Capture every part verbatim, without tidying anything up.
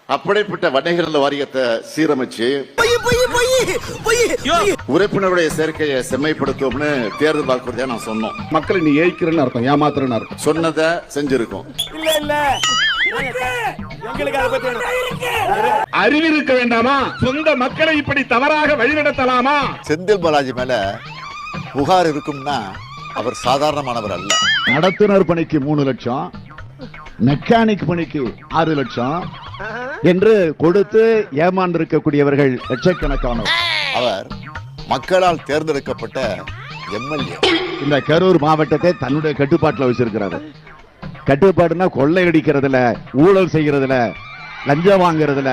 அப்படிப்பட்ட வணிகர்கள் வாரியத்தை சீரமைச்சு உறுப்பினருடைய சேர்க்கையை செம்மைப்படுத்தும்னு தேர்தல் வாக்குறுதியா நான் சொன்னோம். மக்களை நீ ஏய்க்கிறன்னு அர்த்தம், ஏமாத்துறன்னு அர்த்தம். சொன்னதை செஞ்சிருக்கோம். அறிவிருக்க வேண்டாமா? சொந்த மக்களை இப்படி தவறாக வழிநடத்தலாமா? செந்தில் பாலாஜி மேல புகார் இருக்கும்னா அவர் சாதாரணமானவர் அல்ல. நடத்துனர் பணிக்கு மூணு லட்சம், மெக்கானிக் பணிக்கு ஆறு லட்சம் என்று கொடுத்து ஏமாந்திருக்கக்கூடியவர்கள் லட்சக்கணக்கானவர். அவர் மக்களால் தேர்ந்தெடுக்கப்பட்ட எம்எல்ஏ. இந்த கரூர் மாவட்டத்தை தன்னுடைய கட்டுப்பாட்டில் வச்சிருக்கிறாரு. கட்டுப்பாடுனா கொள்ளையடிக்கிறதுல, ஊழல் செய்யறதுல, லஞ்சம் வாங்குறதுல,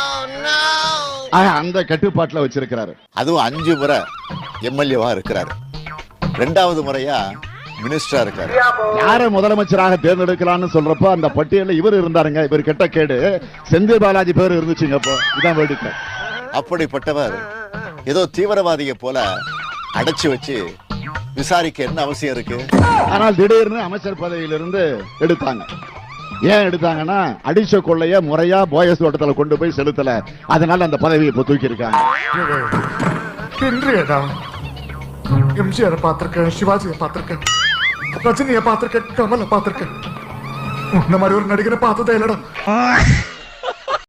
அந்த கட்டுப்பாட்டில் வச்சிருக்கிறாரு. அதுவும் அஞ்சு முறை எம்எல்ஏவா இருக்கிறாரு. ரெண்டாவது முறையா மினிஸ்டரா இருக்காரு. யார முதலமைச்சராக தேர்ந்தெடுக்கலாம்னு சொல்றப்போ அந்த பட்டியலில் இவர் இருந்தாருங்க. இவர் கெட்ட கேடு செந்தில் பாலாஜி பேர் இருந்துச்சுங்க. அப்போ இதான் வேடிக்கை. அப்படிப்பட்டவர் ஏதோ தீவிரவாதியை போல அடைச்சு வச்சு விசாரிக்க என்ன அவசியம் இருக்கு? ஆனால் திடீர்னு அமைச்சர் பதவியிலிருந்து எடுத்தாங்க. ஏன் எடுத்தாங்கன்னா அடிச்ச கொள்ளைய முறையா போயஸ் தோட்டத்தில் கொண்டு போய் செலுத்தல, அதனால அந்த பதவியை இப்ப தூக்கி இருக்காங்க. எம்ஜிஆர் பார்த்திருக்கேன், சிவாஜியை பார்த்திருக்கேன், ரஜினியை பார்த்திருக்கேன், கமலை பார்த்திருக்கேன். இந்த மாதிரி ஒரு நடிகரை பார்த்ததே இல்லடா.